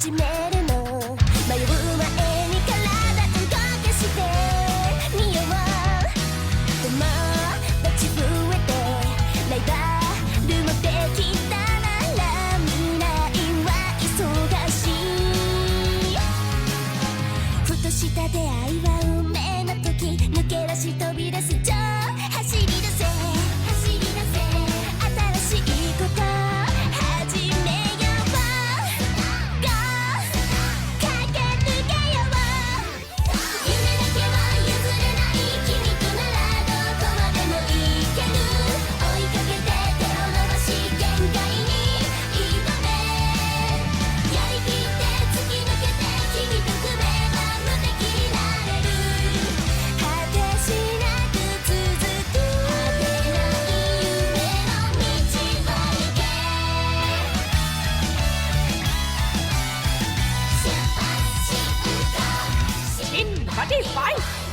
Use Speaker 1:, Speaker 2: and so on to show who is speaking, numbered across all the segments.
Speaker 1: 始めるの迷う前に体動かしてみよう友達増えてライバルもできたなら未来は忙しいふとした出会いは運命の時抜け出し飛び出す走り出せ新しいこと始めよう Go 駆け抜けよう夢だけは譲れない君とならどこまでも行ける追いかけて手を伸ばし限界に挑めやりきって突き抜けて君と組めば無敵になれる果てしなく続く果てない夢の道を行け出発しよう
Speaker 2: ชินบัดดี้ไฟ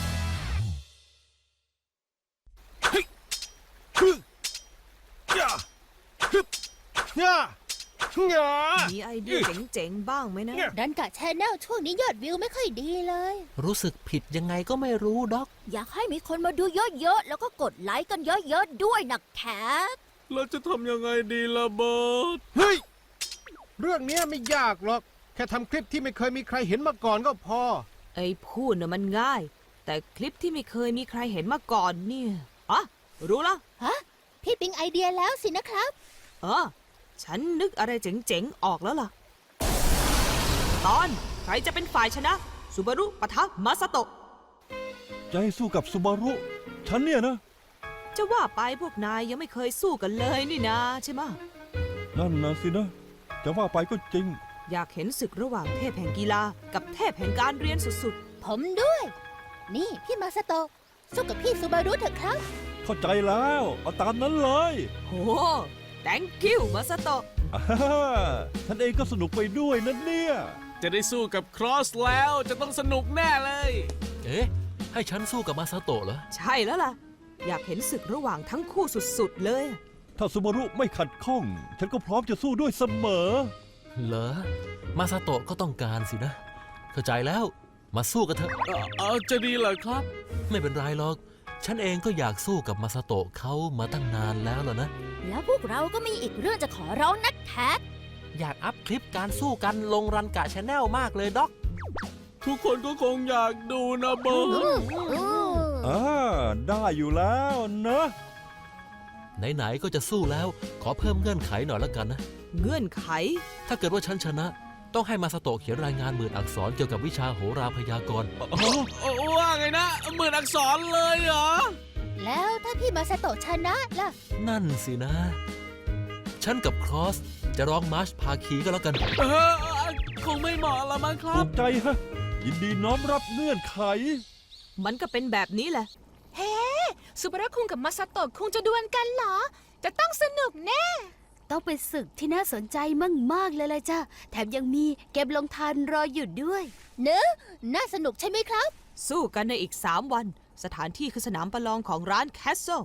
Speaker 2: มีไอเดียเจ๋งๆบ้างไหมนะ
Speaker 1: ดันกะแชนแนลช่วงนี้ยอดวิวไม่ค่อยดีเลย
Speaker 3: รู้สึกผิดยังไงก็ไม่รู้ด็อก
Speaker 1: อยากให้มีคนมาดูเยอะๆแล้วก็กดไลค์กันเยอะๆด้วยนะแคท
Speaker 4: เราจะทำยังไงดีล่ะเบิร์ด
Speaker 5: เฮ้ย เรื่องนี้ไม่ยากหรอก แค่ทำคลิปที่ไม่เคยมีใครเห็นมาก่อนก็พอ
Speaker 2: ไอ้พูดน่ะมันง่าย แต่คลิปที่ไม่เคยมีใครเห็นมาก่อนเนี่ยอ๋อรู้แล้ว
Speaker 1: ฮะ พี่ปิ๊งไอเดียแล้วสินะครับ
Speaker 2: ฉันนึกอะไรเจ๋งๆออกแล้วล่ะ ตอนใครจะเป็นฝ่ายชนะซูบารุปะทะมาซาโตะ
Speaker 4: จะให้สู้กับซูบารุ ฉันเนี่ยนะ
Speaker 2: จะว่าไปพวกนายยังไม่เคยสู้กันเลยนี่นะใช่ไหมะ
Speaker 4: นั่นนะสินะ จะว่าไปก็จริง
Speaker 2: อยากเห็นศึกระหว่างเทพแห่งกีฬากับเทพแห่งการเรียนสุด
Speaker 1: ผมด้วย นี่พี่มาสโตะสู้กับพี่ซูบารุเถอะครับ
Speaker 4: เข้าใจแล้ว เอาตามนั้นเลย
Speaker 2: ๆโห thank you มาซาโตะ
Speaker 4: อ่าฉันเองก็สนุกไปด้วยนะเนี่ย
Speaker 6: จะได้สู้กับครอสแล้วจะต้องสนุกแน่เลย
Speaker 3: เอ๊ะ ให้ฉันสู้กับมาซาโตะเหรอ
Speaker 2: ใช่แล้วล่ะ อยากเห็นศึกระหว่างทั้งคู่สุดๆเลย
Speaker 4: ถ้าซูบารุไม่ขัดข้อง ฉันก็พร้อมจะสู้ด้วยเสมอ
Speaker 3: เหรอ มาซาโตะก็ต้องการสินะ เข้าใจแล้ว มาสู้กันเถอะ
Speaker 6: จะดีเหรอครับ
Speaker 3: ไม่เป็นไรหรอก ฉันเองก็อยากสู้กับมาซาโตะเขามาตั้งนานแล้วล่ะนะ
Speaker 1: แล้วพวกเราก็มีอีกเรื่องจะขอร้องนักแคท
Speaker 3: อยากอัพคลิปการสู้กันลงรันกะชาแนลมากเลยด็อก
Speaker 6: ทุกคนก็คงอยากดูนะเบิร์ด
Speaker 4: ได้อยู่แล้วนะ
Speaker 3: ไหนๆก็จะสู้แล้ว ขอเพิ่มเงื่อนไขหน่อยละกันนะ
Speaker 2: เงื่อนไข
Speaker 3: ถ้าเกิดว่าฉันชนะ ต้องให้มาซาโตะเขียนรายงาน10,000 อักษรเกี่ยวกับวิชาโหราพยากรณ์
Speaker 6: ว่าไงนะ10,000 อักษรเลยเหรอ
Speaker 1: แล้วถ้าพี่มาสโตะชนะล่ะ
Speaker 3: นั่นสินะ ฉันกับครอสจะร้องมาร์ชพาคีก็แล้วกัน
Speaker 6: คงไม่เหมาะละมั้งครั
Speaker 4: ถู
Speaker 6: บ
Speaker 4: กใจฮะ ยินดีน้อมรับเงื่อนไข
Speaker 2: มันก็เป็นแบบนี้แหละ
Speaker 7: ซูบารุคุงกับมาซาโตะคุงจะดวลกันเหรอ จะต้องสนุกแน่
Speaker 1: ต้องเป็นศึกที่น่าสนใจมากๆเลยล่ะจ้ะแถมยังมีเกมลงทันรออยู่ด้วยเนอะน่าสนุกใช่ไหมครับ
Speaker 2: สู้กันในอีก 3 วัน สถานที่คือสนามประลองของร้านแคสเซิล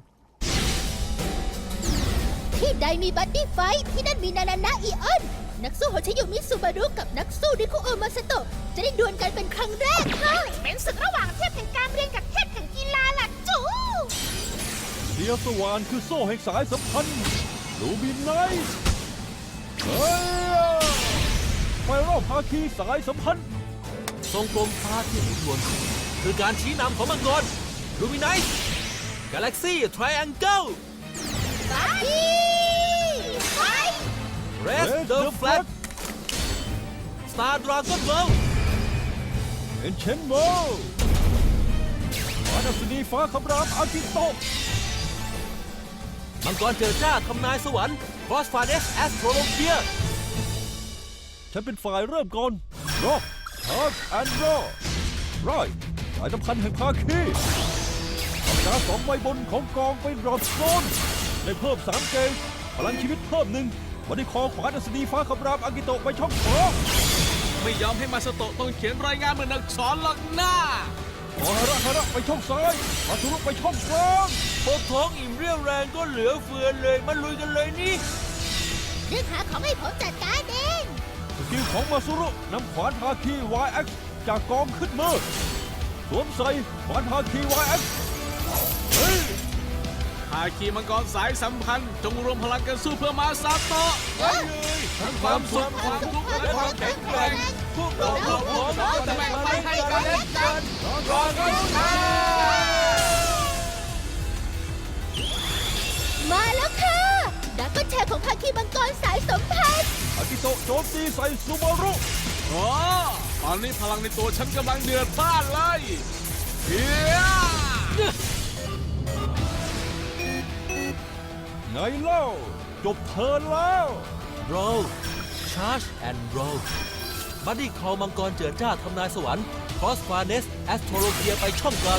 Speaker 1: ที่ใดมีบัดดี้ไฟท์ที่นั่นมีนานานะอีออน นักสู้โฮชิยุมิซูบารุกับนักสู้ริคุโอมาสโตะจะได้ดวลกันเป็นครั้งแรกค่ะ
Speaker 7: เป็นศึกระหว่างเทพแห่งการเรียนกับเทพแห่งกีฬาล่ะจู
Speaker 4: เดียวสว่านคือโซ่แห่งสายสัมพันธ์ลูบินไนท์เฮ้ยไฟรอบภาคีสายสัมพันธ์
Speaker 3: ทรงกลมฟ้าที่หมุนวนคือการชี้นำของมังกรลูมิไนท์กาแล็กซี่ทริแองเกิล
Speaker 1: บัดดี้ไฟท์
Speaker 3: เรสเดอะแฟลกสตาร์ดราก้อนเวิลด์
Speaker 4: เอ็นเชนโมวานัสนีฟ้าคำรามอากิโตะ
Speaker 3: มังกรเจอจ้าทำนายสวรรค์ครอสฟาเนสแอสโทรโลเพีย
Speaker 4: ฉันเป็นฝ่ายเริ่มก่อนรอชาร์จแอนด์รอไรสายสัมพันธ์แห่งภาคีปากกา2 ใบบนของกองเป็นรอดโซนได้เพิ่ม3 เกจพลังชีวิตเพิ่ม1วันนี้คอขวานัสนีฟ้าคำรามอากิโตะไปช่องขวา
Speaker 6: ไม่ยอมให้มาสโตะต้องเขียนรายงาน10,000 อักษรหรอกหน้า
Speaker 4: ขอฮาระไปช่องซ้ายมาทุรุไปช่องกลาง
Speaker 3: พวกท้องอิ่มเรี่ยวแรงก็เหลือเฟือเลยมาลุยกันเลยนี่
Speaker 1: เรื่องหาของให้ผมจัดการเอง
Speaker 4: สกิลของมาซุรุนำขวานภาคี YX จากกองขึ้นมือสวมใส่ขวานภาคี YX เฮ้ย
Speaker 6: ภาคีมังกรสายสัมพันธ์จงรวมพลังกันสู้เพื่อมาซาโตะทั้งความสุขความทุกข์และความแข็งแกร่งพวกเราพร้อมจะแบ่งปันให้กันและกันรอกันชา
Speaker 1: มาแล้วค่ะดักก็แชร์ของภาคีมังกรสายสัมพันธ์
Speaker 4: อากิโตะโจมตีใส่ซูบารุ
Speaker 6: โอ้ตอนนี้พลังในตัวฉันกำลังเดือดพล่านเลยเฮีย
Speaker 4: ไงเล่าจบเทิร์นแล้ว
Speaker 3: roll charge and roll บัดดี้คอมังกรเจิดจ้าทำนายสวรรค์ cross farnes astrologia ไปช่องกลาง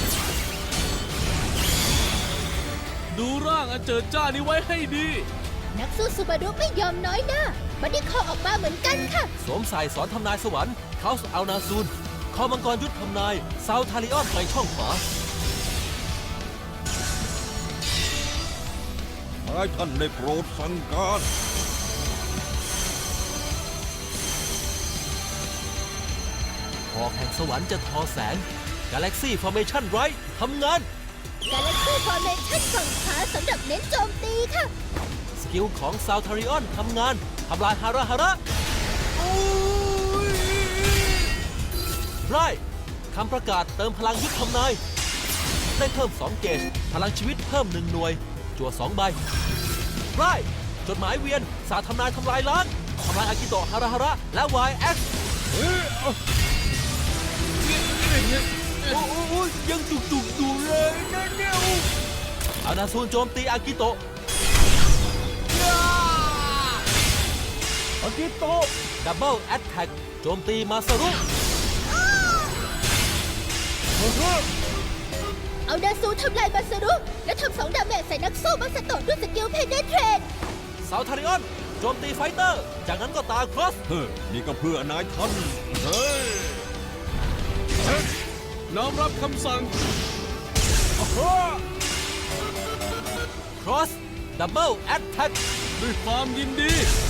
Speaker 6: ดูร่างอันเจิดจ้านี้ไว้ให้ดี
Speaker 1: นักสู้ซูบารุไม่ยอมน้อยหน้าบัดดี้คอออกมาเหมือนกันค่ะ
Speaker 3: สวมใส่สอนทำนายสวรรค์ House Al Nasun คอมังกรยุทธทำนาย South Talion ไปช่องขวา
Speaker 4: ให้ท่านได้โปรดสั่งการ
Speaker 3: หอกแห่งสวรรค์จะทอแสง Galaxy Formation Right ทำงาน
Speaker 1: Galaxy Formation ฝั่งขวาสำหรับเน้นโจมตีค่ะ
Speaker 3: สกิลของ South Talion ทำงาน ทำลายฮาระฮาระไรคำประกาศเติมพลังยุทธทำนาย ได้เพิ่ม 2 เกจพลังชีวิตเพิ่ม 1 หน่วย จั่ว 2 ใบไรจดหมายเวียน สาทำนายทำลายล้าง ทำลายอากิโตะฮาระฮาระและ YX โอ้ยยังจุกๆอยู่เลยนะเนี่ยอานาซูนโจมตีอากิโตะ
Speaker 4: อากิโตะ
Speaker 3: ดับเบิลแอตแทกโจมตีมาซารุ
Speaker 1: เอาดาซูทำลายมาสรุและทำ2 ดาเมจใส่นักสู้มาสโตะด้วยสกิลเพนเนเทรต
Speaker 3: เซาทาริออนโจมตีไฟเตอร์ จากนั้นก็ตาครอส
Speaker 4: เฮ้ยนี่ก็เพื่อนายท่านเฮ้ย
Speaker 6: น้อมรับคำสั่ง
Speaker 3: ครอสดับเบิลแอตแทก
Speaker 6: ด้วยความยินดี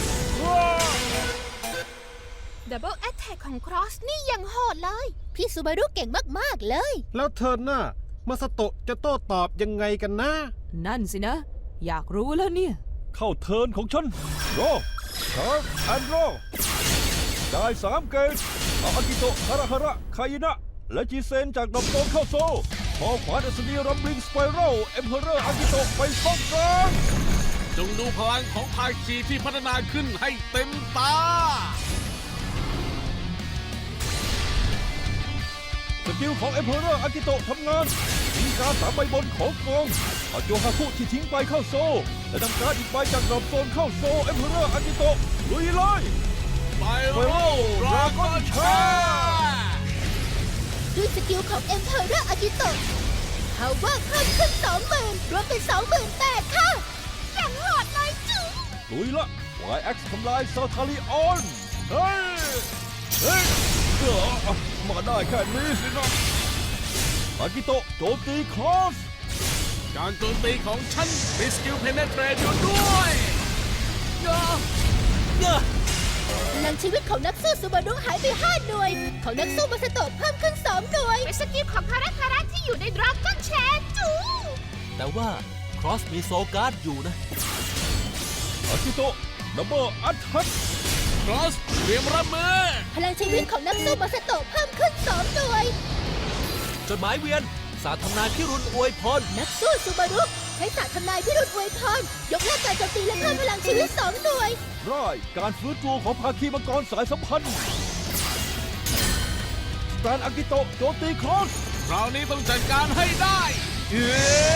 Speaker 7: Double Attack ของ Cross นี่ยังโหดเลย
Speaker 1: พี่ซูบารุเก่งมากๆเลย
Speaker 5: แล้วเธอหน้ามาสโตะจะโต้ตอบยังไงกันนะ
Speaker 2: นั่นสินะ อยากรู้แล้วเนี่ย
Speaker 4: เข้าเทิร์นของฉันรอชาร์จแอนด์รอได้3 เกจเอาอากิโตะฮาระฮาระคายินะ และจีเซนจากดอกโตนเข้าโซพอขวานอัศนีรัมบลิงสไปรัลเอ็มเพอเรอร์อากิโตะไปช่องกลาง
Speaker 6: จงดูพลังของภาคีที่พัฒนาขึ้นให้เต็มตา
Speaker 4: สกิลของเอ็มเพอเรอร์อากิโตะทำงานทิ้งการ์ด3 ใบบนของกองเอาโจฮาคุที่ทิ้งไปเข้าโซและนำการ์ดอีกใบจากดรอปโซนเข้าโซเอ็มเพอเรอร์อากิโตะลุยเลย
Speaker 6: ไปโร
Speaker 4: ดราก้อนชา
Speaker 1: ด้วยสกิลของ Emperor Akito Power เพิ่มขึ้น 20,000 รวมเป็น 28,000 ค่ะอย่างโหดเลยจุ๊
Speaker 4: ลุยละ YX ทำลายซาทาริออนเฮ้ยเฮ้ยมาได้แค่นี้สินะอากิโตะโจมตีครอส
Speaker 6: การโจมตีของฉันมีสกิลเพนเนเทรตอยู่ด้วย
Speaker 1: พลังชีวิตของนักสู้ซูบารุหายไป 5 หน่วย ของนักสู้มาสโตะเพิ่มขึ้น 2 หน่วย
Speaker 7: เป็นสกิลของคาระที่อยู่ใน Dragon Chain จู
Speaker 3: แต่ว่าครอสมีโซการ์ดอยู่นะ
Speaker 4: อากิโตะดับเบิลอัตแทก
Speaker 6: ครอสเตรียมรับมือ
Speaker 1: พลังชีวิตของนักสู้มาสโตะเพิ่มขึ้น 2 หน่วย
Speaker 3: จดหมายเวียน สาทำนายพิรุณอวยพร
Speaker 1: นักสู้ซูบารุใช้ศาสตร์ทำนายพิรุณอวยพร ยกเลิกการโจมตีและเพิ่มพลังชีวิต 2 หน่วย
Speaker 4: ร่ายการฟื้นตัวของภาคีมังกรสายสัมพันธ์สแตนอากิโตะโจมตีครอส
Speaker 6: คราวนี้ต้องจัดการให้ได้เย้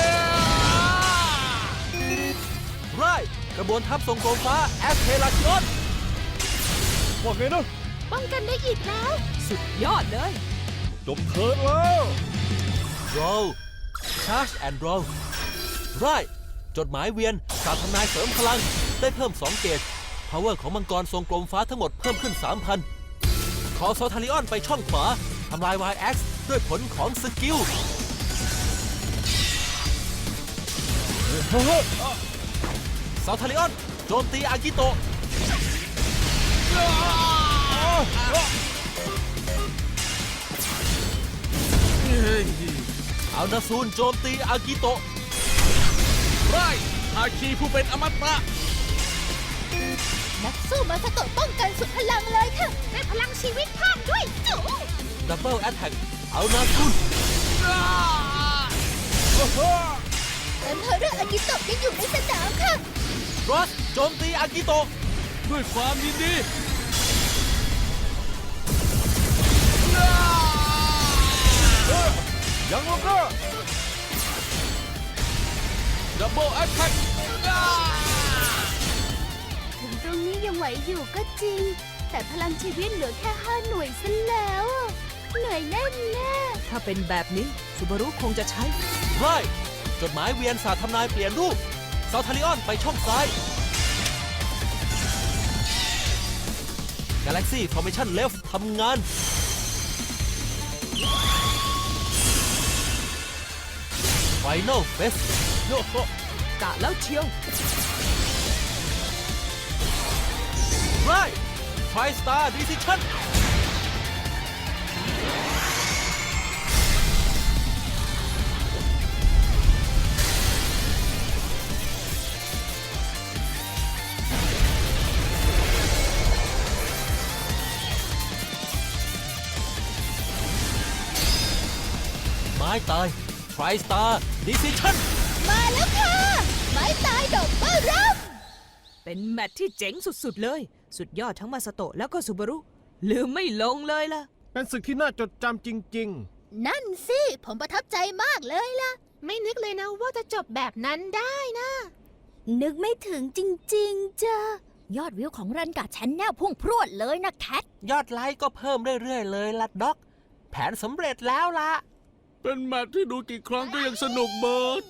Speaker 3: ไรกระบวนทัพทรงโกมฟ้าแอสเทลาชิออน
Speaker 4: ว่าไงนะ
Speaker 7: ป้องกันได้อีกแล้ว
Speaker 2: สุดยอดเลย
Speaker 4: จบเทิร์นแล้ว
Speaker 3: roll charge and roll ไรจดหมายเวียน สาทำนายเสริมพลัง ได้เพิ่ม 2 เกจ power ของมังกรทรงกลมฟ้าทั้งหมดเพิ่มขึ้น 3,000 ขอโซทาริออนไปช่องขวา ทำลาย YX ด้วยผลของสกิล ซาทาริออนโจมตีอากิโตะเอานาซูนโจมตีอากิโตะ
Speaker 6: ไรฮาคีผู้เป็นอมตะ
Speaker 1: นักสู้มาสโตะป้องกันสุดพลังเลยค่ะได้พลังชีวิตเพิ่มด้วยจู๋
Speaker 3: ดับเบิลแอตแทกเอานาซูน
Speaker 1: เอ็มเพอเรอร์อากิโตะยังอยู่ในสนามค่ะ
Speaker 3: รอสโจมตีอากิโตะ
Speaker 6: ด้วยความยินดี
Speaker 4: ยังลงก็
Speaker 6: ดับเบิลแอตแทก
Speaker 1: ถึงตรงนี้ยังไหวอยู่ก็จริง แต่พลังชีวิตเหลือแค่5 หน่วยซะแล้วอะเหนื่อยแน่แน่
Speaker 2: ถ้าเป็นแบบนี้ซูบารุคงจะใช้
Speaker 3: ไรจดหมายเวียนศาสตร์ทำนายเปลี่ยนรูปซาวทาริออนไปช่องซ้าย Galaxy Formation Left ทำงาน Final Phase
Speaker 2: กะแล้วเชียว
Speaker 3: ไร Tri-Star Decision ไม้ตาย Tri-Star Decision
Speaker 1: มาแล้วค่ะ ไม้ตายดอกเบอร์รับ
Speaker 2: เป็นแมตช์ที่เจ๋งสุดๆเลย สุดยอดทั้งมาสโตะแล้วก็ซูบารุลืมไม่ลงเลยล่ะ
Speaker 5: เป็นศึกที่น่าจดจำจริง
Speaker 1: นั่นสิ ผมประทับใจมากเลยล่ะ
Speaker 7: ไม่นึกเลยนะว่าจะจบแบบนั้นได้นะ
Speaker 1: นึกไม่ถึงจริงๆจ้ะยอดวิวของรันกาแชนแนลพุ่งพรวดเลยนะแคท
Speaker 3: ยอดไลค์ก็เพิ่มเรื่อยๆเลยล่ะด็อก แผนสำเร็จแล้วล่ะ
Speaker 6: เป็นแมตช์ที่ดูกี่ครั้งก็ยังสนุกเบิร์ด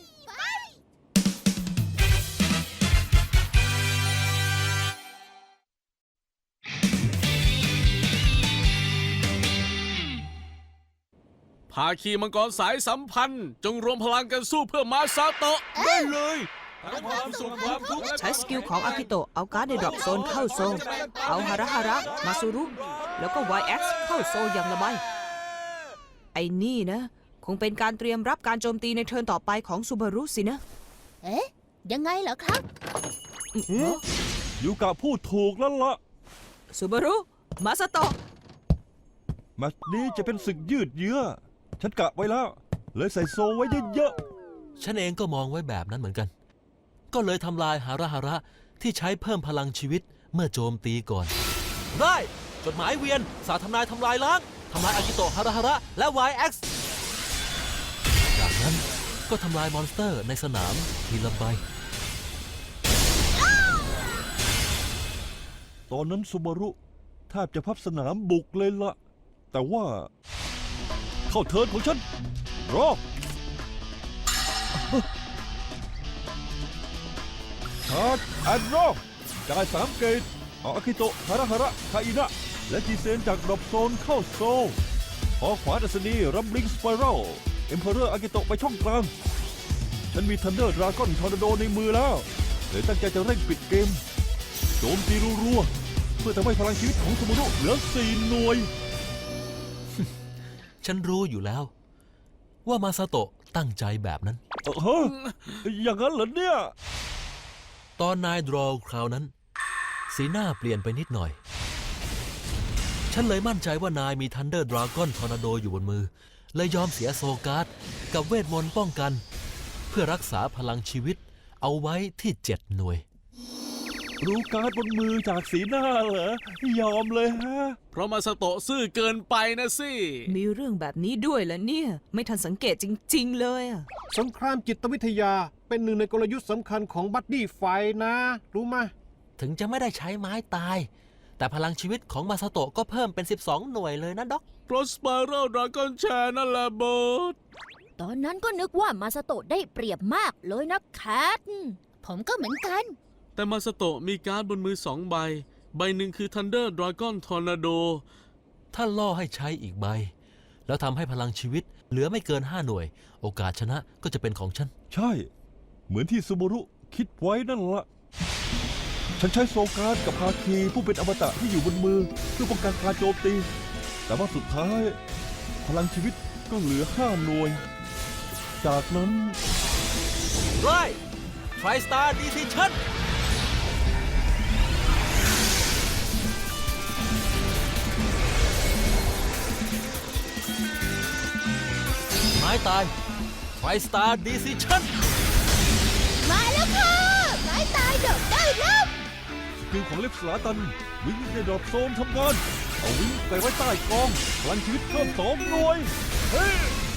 Speaker 6: ภาคีมังกรสายสัมพันธ์จงรวมพลังกันสู้เพื่อมาซาโตะได้เลยทั้งความสุขความทุกข์และ
Speaker 2: ใช้สกิลของอากิโตะเอาการ์ดในดรอปโซนเข้าโซน เอาฮาระฮาระ มาซูรุ แล้วก็ YX เข้าโซนอย่างละไมไอ้นี่นะ คงเป็นการเตรียมรับการโจมตีในเทิร์นต่อไปของซูบารุสินะ
Speaker 1: เอ๊ะ ยังไงเหรอครับ
Speaker 4: ยูกะพูดถูกแล้วล่ะ
Speaker 2: ซูบารุ มาสโตะ
Speaker 4: แมตช์นี้จะเป็นศึกยืดเยื้อ ฉันกะไว้แล้ว เลยใส่โซไว้เยอะ
Speaker 3: ฉันเองก็มองไว้แบบนั้นเหมือนกัน ก็เลยทำลายฮาระฮาระที่ใช้เพิ่มพลังชีวิตเมื่อโจมตีก่อน ได้จดหมายเวียนสาทำนายทำลายล้างทำลายอากิโตะฮาระฮาระและ YX จากนั้นก็ทำลายมอนสเตอร์ในสนามทีละใบ
Speaker 4: ๆ ตอนนั้นซูบารุแทบจะพับสนามบุกเลยล่ะ แต่ว่า เข้าเทิร์นของฉัน รอชาร์จแอนด์รอจ่าย3 เกตเอาอากิโตะฮาระฮาระคาอินะและจีเซนจากดรอปโซนเข้าโซลพอขวาดัศนีรัมบลิงสไปรัลเอ็มเพอเรอร์อากิโตะไปช่องกลาง ฉันมีทันเดอร์ดราก้อนทอร์นาโดในมือแล้วเลยตั้งใจจะเร่งปิดเกม โจมตีรัวๆเพื่อทำให้พลังชีวิตของซูบารุเหลือ4 หน่วย
Speaker 3: ฉันรู้อยู่แล้ว ว่ามาซาโตะตั้งใจแบบนั้น
Speaker 4: ฮะอย่างนั้นเหรอเนี่ย
Speaker 3: ตอนนายดรอว์คราวนั้น สีหน้าเปลี่ยนไปนิดหน่อย ฉันเลยมั่นใจว่านายมีทันเดอร์ดราก้อนทอร์นาโดอยู่บนมือ เลยยอมเสียโซการ์ดกับเวทมนต์ป้องกัน เพื่อรักษาพลังชีวิตเอาไว้ที่7 หน่วย
Speaker 4: รู้การ์ดบนมือจากสีหน้าเหรอ ยอมเลยฮะ
Speaker 6: เพราะมาซาโตะซื่อเกินไปนะสิ
Speaker 2: มีเรื่องแบบนี้ด้วยเหรอเนี่ย ไม่ทันสังเกตจริงๆเลยอะ
Speaker 5: ๆ สงครามจิตวิทยาเป็นหนึ่งในกลยุทธ์สำคัญของบัดดี้ไฟนะ รู้ไหม
Speaker 3: ถึงจะไม่ได้ใช้ไม้ตาย แต่พลังชีวิตของมาซาโตะก็เพิ่มเป็น12 หน่วยเลยนะด็อก
Speaker 6: เพราะสไปรัลดราก้อนแชร์นั่นแหละเบิร์ด
Speaker 1: ตอนนั้นก็นึกว่ามาสโตะได้เปรียบมากเลยนะแคท ผมก็เหมือนกัน
Speaker 6: แต่มาซาโตะมีการ์ดบนมือ2 ใบ ใบหนึ่งคือ Thunder Dragon Tornado
Speaker 3: ถ้าล่อให้ใช้อีกใบ แล้วทำให้พลังชีวิตเหลือไม่เกิน5 หน่วย โอกาสชนะก็จะเป็นของฉัน
Speaker 4: ใช่ เหมือนที่ซูบารุคิดไว้นั่นละฉันใช้โซการ์ดกับภาคีผู้เป็นอมตะที่อยู่บนมือเพื่อป้องกันการโจมตี แต่ว่าสุดท้ายพลังชีวิตก็เหลือ5 หน่วย จากนั้น
Speaker 3: ไรทริสตาร์ดิซิชั่นไม้ตายทริสตาร์ดิซิชั่น
Speaker 1: มาแล้วค่ะไม้ตายดอกได้แล้ว
Speaker 4: สกิลของเล็บสลาตันวิ่งในดรอปโซนทำงานเอาวิ่งไปไว้ใต้กองพลังชีวิตเพิ่ม2 หน่วยเฮ้ย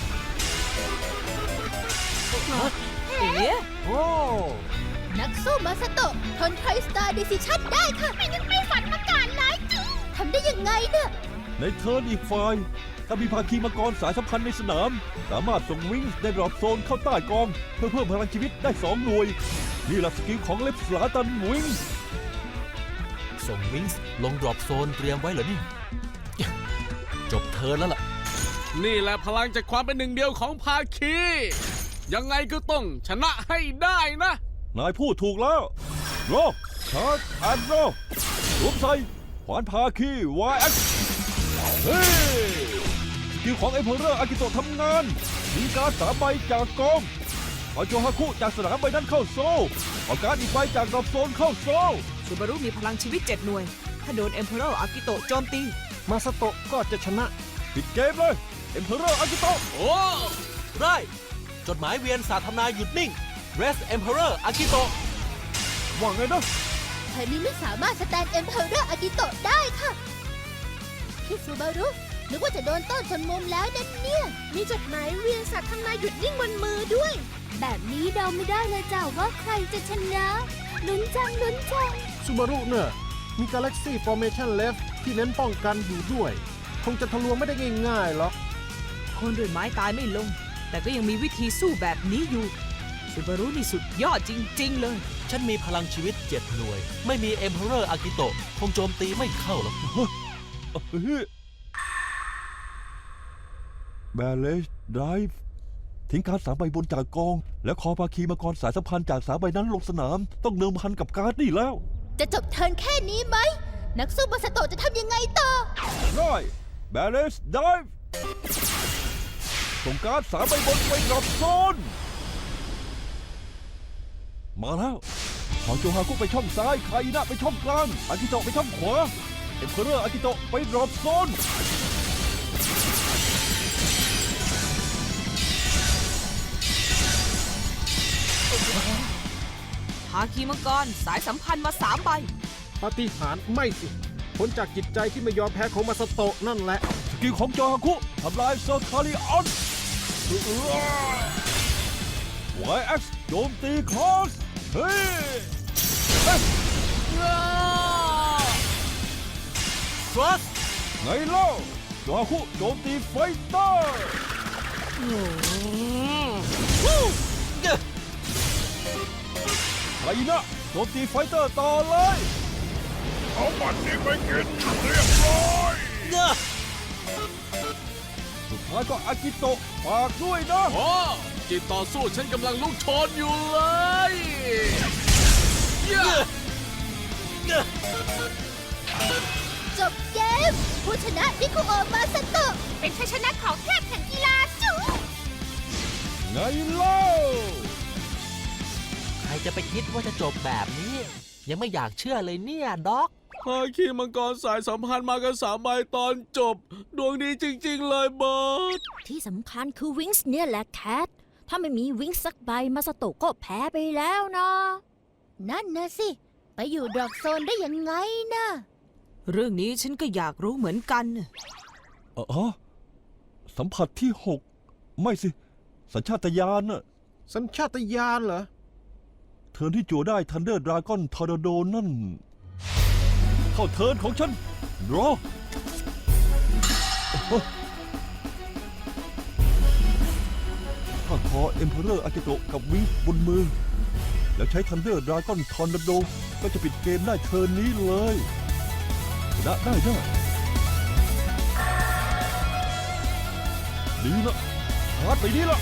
Speaker 2: เอ๋
Speaker 4: โอ้
Speaker 1: นักสู้มาสโตะทนไทสตาร์ดิซิชั่นได้ค่ะไม่ยังไม่ฝันมาก่อนเลยทำได้ยังไงเนี่ย
Speaker 4: ในเทิร์นอีกฝ่ายถ้ามีภาคีมังกรสายสัมพันธ์ในสนาม สามารถส่งวิงในดรอปโซนเข้าใต้กองเพื่อเพิ่มพลังชีวิตได้2 หน่วย นี่แหละสกิลของเล็บสลาตันวิง
Speaker 3: ส่งวิงส์ลงดรอปโซนเตรียมไว้เหรอนี่ จบเทิร์นแล้วล่ะ
Speaker 6: นี่แหละพลังจากความเป็นหนึ่งเดียวของภาคี ยังไงก็ต้องชนะให้ได้นะ
Speaker 4: นายพูดถูกแล้วโรชาร์จแอนด์โรสวมใส่ขวานภาคี YX เฮ้ยสกิลของเอมเพอเรอร์อากิโตะทำงานมีการ์ด3 ใบจากกองเอาโจฮาคุจากสนามใบนั้นเข้าโซ่เอาการ์ดอีกใบจากดรอปโซนเข้าโซ่
Speaker 2: ซูบารุมีพลังชีวิต 7 หน่วย ถ้าโดนเอ็มเพอเรอร์อากิโตะโจมตี
Speaker 5: มาสโตะก็จะชนะ
Speaker 4: ปิดเกมเลยเอ็มเพอเรอร์อากิโตะ
Speaker 6: โอ้
Speaker 3: ไรจดหมายเวียนสาธารณาหยุดนิ่ง Rest Emperor อากิโตะ
Speaker 4: ว่าไงนะ
Speaker 1: เธอนี้ไม่สามารถสแตนเอ็มเพอเรอร์อากิโตะได้ค่ะพี่ซูบารุนึกว่าจะโดนต้นชนมุมแล้วนะเนี่ย มีจดหมายเวียนสัตว์ทำนายหยุดนิ่งบนมือด้วย แบบนี้เดาไม่ได้เลยจ้าว่าใครจะชนะลุ้นจังลุ้นจัง
Speaker 5: ซูบารุเนี่ยมี Galaxy Formation Left ที่เน้นป้องกันอยู่ด้วย คงจะทะลวงไม่ได้ง่ายๆหรอก
Speaker 2: คนด้วยไม้ตายไม่ลง แต่ก็ยังมีวิธีสู้แบบนี้อยู่ซูบารุนี่สุดยอดจริง ๆ เลย
Speaker 3: ฉันมีพลังชีวิต 7 หน่วย ไม่มี Emperor อากิโตะคงโจมตีไม่เข้าหรอก
Speaker 4: แบเลชไดฟ์ทิ้งการ์ด3 ใบบนจากกอง แล้วคอภาคีมังกรสายสัมพันธ์จาก3 ใบนั้นลงสนาม ต้องเดิมพันกับการ์ดนี่แล้ว
Speaker 1: จะจบเทิร์นแค่นี้ไหม นักสู้มาสโตะจะทำยังไงต่อ
Speaker 4: ได้แบเลชไดฟ์ส่งการ์ด3 ใบบนไปดรอปโซน มาแล้วขอโจฮาคุไปช่องซ้ายคาอินะไปช่องกลางอากิโตะไปช่องขวาเอ็มเพอเรอร์อากิโตะไปดรอปโซน
Speaker 2: ภาคีมังกรสายสัมพันธ์มา 3 ใบ
Speaker 5: ปาฏิหาริย์ไม่สิ ผลจากจิตใจที่ไม่ยอมแพ้ของมาสโตะนั่นแหละ
Speaker 4: สกิลของโจฮาคุทำลายเซอร์คาริออน YX โจมตีคลอสเฮ้ย
Speaker 3: Trust
Speaker 4: ไงเล่าโจฮาคุโจมตีไฟเตอร์ไคอินะโจมตีไฟเตอร์ต่อเลย เอาบัตรนี้ไปกินเรียบร้อย สุดท้ายก็อากิโตะฝากด้วยนะ
Speaker 6: โอ้จิตต่อสู้ฉันกำลังลุกโชนอยู่เลย
Speaker 1: จบเกม ผู้ชนะนิคุโอะมาสโตะเป็นชัยชนะของเทพแห่งกีฬาจู
Speaker 4: ไงเล่า
Speaker 3: ใครจะไปคิดว่าจะจบแบบนี้ ยังไม่อยากเชื่อเลยเนี่ยด็อก
Speaker 6: ภาคีมังกรสายสัมพันธ์มากัน3 ใบตอนจบ ดวงดีจริง ๆ เลยบอส
Speaker 8: ที่สำคัญคือวิงส์เนี่ยแหละแคท ถ้าไม่มีวิงส์สักใบมาสโตะก็แพ้ไปแล้วนะ
Speaker 1: นั่นนะสิ ไปอยู่ดรอปโซนได้ยังไงนะ
Speaker 2: เรื่องนี้ฉันก็อยากรู้เหมือนกัน
Speaker 4: สัมผัสที่ 6 ไม่สิ สัญชาตญาณน่ะ
Speaker 5: สัญชาตญาณเหรอ
Speaker 4: เทิร์นที่จั่วได้ทันเดอร์ดราก้อนทอร์นาโดนั่น เข้าเทิร์นของฉันรอถ้าคอเอ็มเพอเรอร์อากิโตะกับวิงบนมือ แล้วใช้ทันเดอร์ดราก้อนทอร์นาโดก็จะปิดเกมได้เทิร์นนี้เลยชนะได้แน่ดีละชาร์จไปดีละ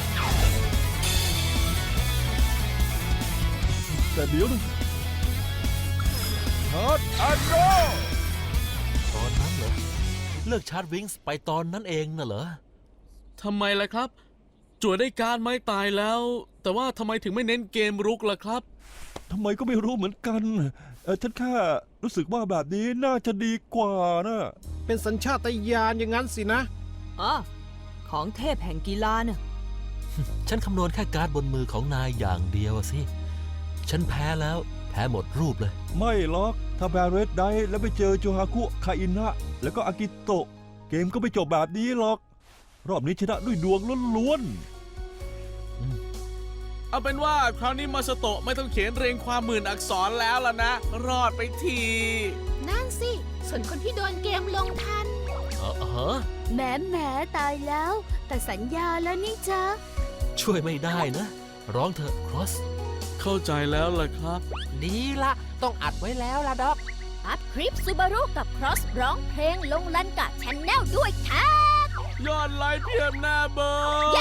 Speaker 4: แต่เดี๋ยวนะชาร์จแอนด์รอ
Speaker 3: ตอนนั้นเหรอ เลิกชาร์จวิงส์ไปตอนนั้นเองน่ะเหรอ
Speaker 6: ทำไมล่ะครับ จั่วได้การไม้ตายแล้ว แต่ว่าทำไมถึงไม่เน้นเกมรุกล่ะครับ
Speaker 4: ทำไมก็ไม่รู้เหมือนกันฉันแค่รู้สึกว่าแบบนี้น่าจะดีกว่านะ
Speaker 5: เป็นสัญชาตญาณอย่างนั้นสินะ
Speaker 2: อ๋อ ของเทพแห่งกีฬาน่ะ
Speaker 3: ฉันคำนวณแค่การ์ดบนมือของนายอย่างเดียวอะสิ ฉันแพ้แล้วแพ้หมดรูปเลย
Speaker 4: ไม่หรอก ถ้าแบร์เรดไดแล้วไปเจอโจฮาคุคาอินะแล้วก็อากิโตะเกมก็ไม่จบแบบนี้หรอก รอบนี้ชนะด้วยดวงล้วน
Speaker 6: เอาเป็นว่าคราวนี้มาสโตะไม่ต้องเขียนเรียงความหมื่นอักษรแล้วล่ะนะ รอดไปที
Speaker 7: นั่นสิ ส่วนคนที่โดนเกมลงทัน
Speaker 1: แหมตายแล้ว แต่สัญญาแล้วนี่จ๊ะ
Speaker 3: ช่วยไม่ได้นะ ร้องเถอะครอส
Speaker 6: เข้าใจแล้วล่ะครับ
Speaker 9: ดีละต้องอัดไว้แล้วล่ะด็อก
Speaker 8: อัดคลิปซูบารุกับครอสร้องเพลงลงลันกะชแนลด้วยค่ะ
Speaker 6: ยอดไลค์เพียบหน้าเบอร์
Speaker 8: เย้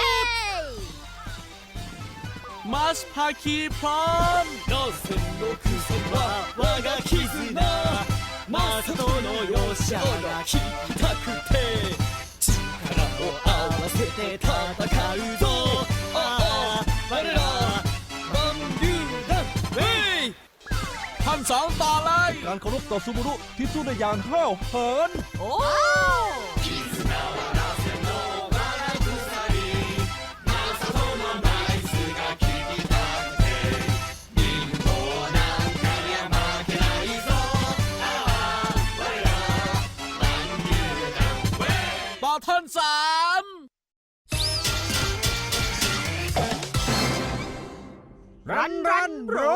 Speaker 6: มัสพาคีพร้อมโดเซนโนคุโซบะวากาคิซึนะมาสโตโนโยชากาคิたくて力を合わせて戦うぞああ我らバンビューダンเฮ้ยท่านสองต่อเลย
Speaker 4: ๆ การเคารพต่อซูบุรุที่สู้ได้อย่างห้าวหาญ
Speaker 2: โอ้
Speaker 6: ต่อท่านสาม
Speaker 5: รันโร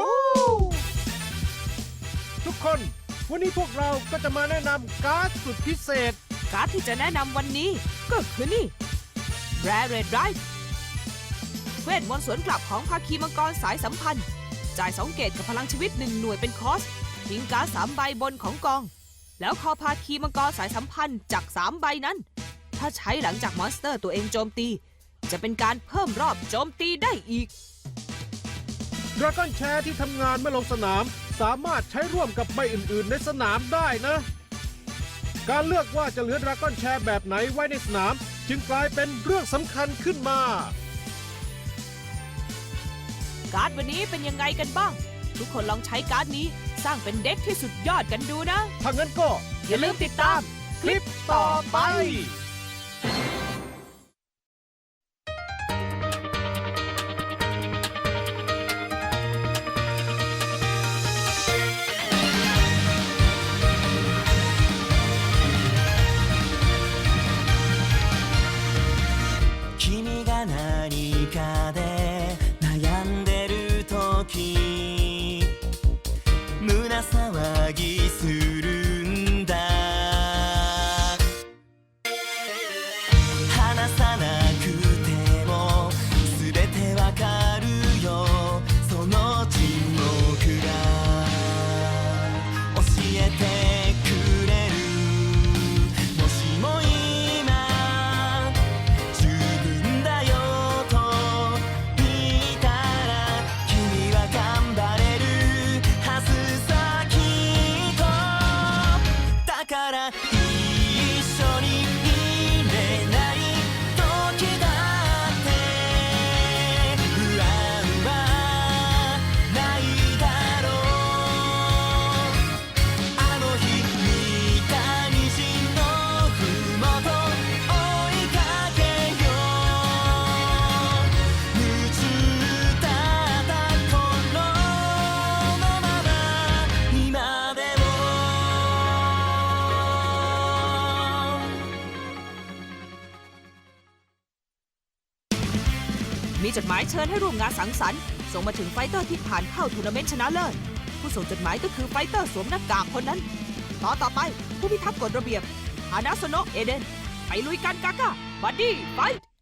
Speaker 5: ทุกคน วันนี้พวกเราก็จะมาแนะนำการ์ดสุดพิเศษ
Speaker 2: การ์ดที่จะแนะนำวันนี้ก็คือนี่ Rare Red Drive เวทมนต์สวนกลับของภาคีมังกรสายสัมพันธ์ จ่าย2 เกตกับพลังชีวิต1หน่วยเป็นคอสทิ้งการ์ด3 ใบบนของกอง แล้วคอภาคีมังกรสายสัมพันธ์จาก3 ใบนั้น ถ้าใช้หลังจากมอนสเตอร์ตัวเองโจมตี จะเป็นการเพิ่มรอบโจมตีได้อีก
Speaker 5: ดราก้อนแชร์ที่ทำงานเมื่อลงสนาม สามารถใช้ร่วมกับใบอื่นๆในสนามได้นะ การเลือกว่าจะเหลือดราก้อนแชร์แบบไหนไว้ในสนาม จึงกลายเป็นเรื่องสำคัญขึ้นมา
Speaker 2: การ์ดวันนี้เป็นยังไงกันบ้าง ทุกคนลองใช้การ์ดนี้สร้างเป็นเด็กที่สุดยอดกันดูนะ
Speaker 5: ถ้างั้นก็
Speaker 2: อย่าลืมติดตามคลิปต่อไป
Speaker 10: 君が何かで悩んでる時胸騒ぎするんだ話さなくても全てわかるよその沈黙が教えてくれるもしも今十分だよと言ったら君は頑張れるはずさきっとだから一緒にいれない時だって不安はないだろうあの日見た虹のふもと追いかけよう夢中だった頃のまま今でも
Speaker 2: มีจดหมายเชิญให้ร่วมงานสังสรรค์ส่งมาถึงไฟเตอร์ที่ผ่านเข้าทัวร์นาเมนต์ชนะเลิศผู้ส่งจดหมายก็คือไฟเตอร์สวมหน้ากากคนนั้น ต่อไปผู้พิทักษ์กฎระเบียบฮานาโซโนะเอเดน ไปลุยกันกาก้าบัดดี้ไฟท์